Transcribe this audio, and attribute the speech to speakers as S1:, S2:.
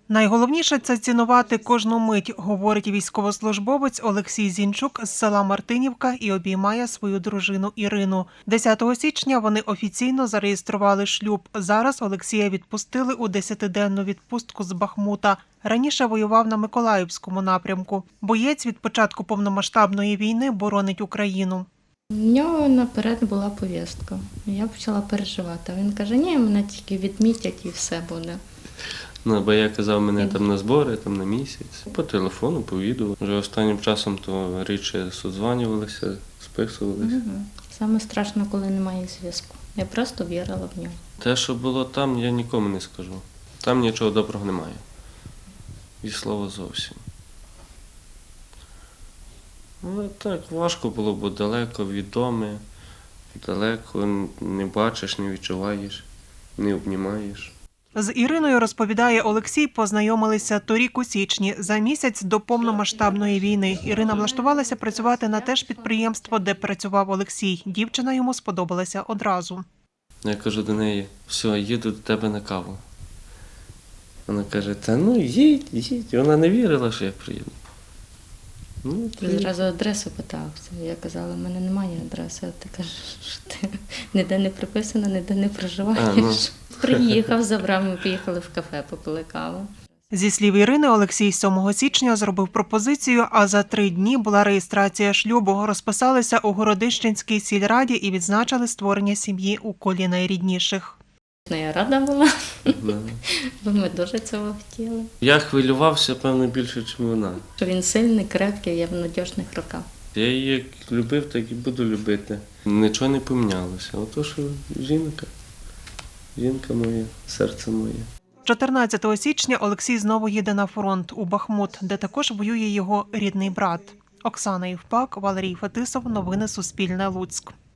S1: Найголовніше – це цінувати кожну мить, говорить військовослужбовець Олексій Зінчук з села Мартинівка і обіймає свою дружину Ірину. 10 січня вони офіційно зареєстрували шлюб. Зараз Олексія відпустили у 10-денну відпустку з Бахмута. Раніше воював на Миколаївському напрямку. Боєць від початку повномасштабної війни боронить Україну.
S2: У нього наперед була повістка. Я почала переживати. Він каже, ні, мене тільки відмітять і все буде.
S3: Ну, бо я казав, мене там на збори, там на місяць. По телефону, по відео. Вже останнім часом то рідше созванювалися, списувалися.
S2: Саме страшно, коли немає зв'язку. Я просто вірила в нього.
S3: Те, що було там, я нікому не скажу. Там нічого доброго немає. І слова зовсім. Але так, важко було, бо далеко від дому, далеко не бачиш, не відчуваєш, не обнімаєш.
S1: З Іриною, розповідає Олексій, познайомилися торік у січні, за місяць до повномасштабної війни. Ірина влаштувалася працювати на те ж підприємство, де працював Олексій. Дівчина йому сподобалася одразу.
S3: Я кажу до неї, все, їду до тебе на каву. Вона каже, та ну їдь. Вона не вірила, що я приїду. Ну,
S2: Зразу адресу питався. Я казала, в мене немає адреси. А ти кажеш, що ти ніде не приписана, ніде не проживаєш. Приїхав, забрав, ми поїхали в кафе, попили каву.
S1: Зі слів Ірини, Олексій 7 січня зробив пропозицію, а за 3 дні була реєстрація шлюбу. Розписалися у Городищенській сільраді і відзначили створення сім'ї у колі найрідніших.
S2: Я рада була, бо ми дуже цього хотіли.
S3: Я хвилювався, певно, більше, ніж вона.
S2: Що він сильний, крепкий, я в надіжних руках.
S3: Я її як любив, так і буду любити. Нічого не помінялося. Ото що жінка моя, серце моє.
S1: 14 січня Олексій знову їде на фронт у Бахмут, де також воює його рідний брат. Оксана Євпак, Валерій Фетисов. Новини Суспільне. Луцьк.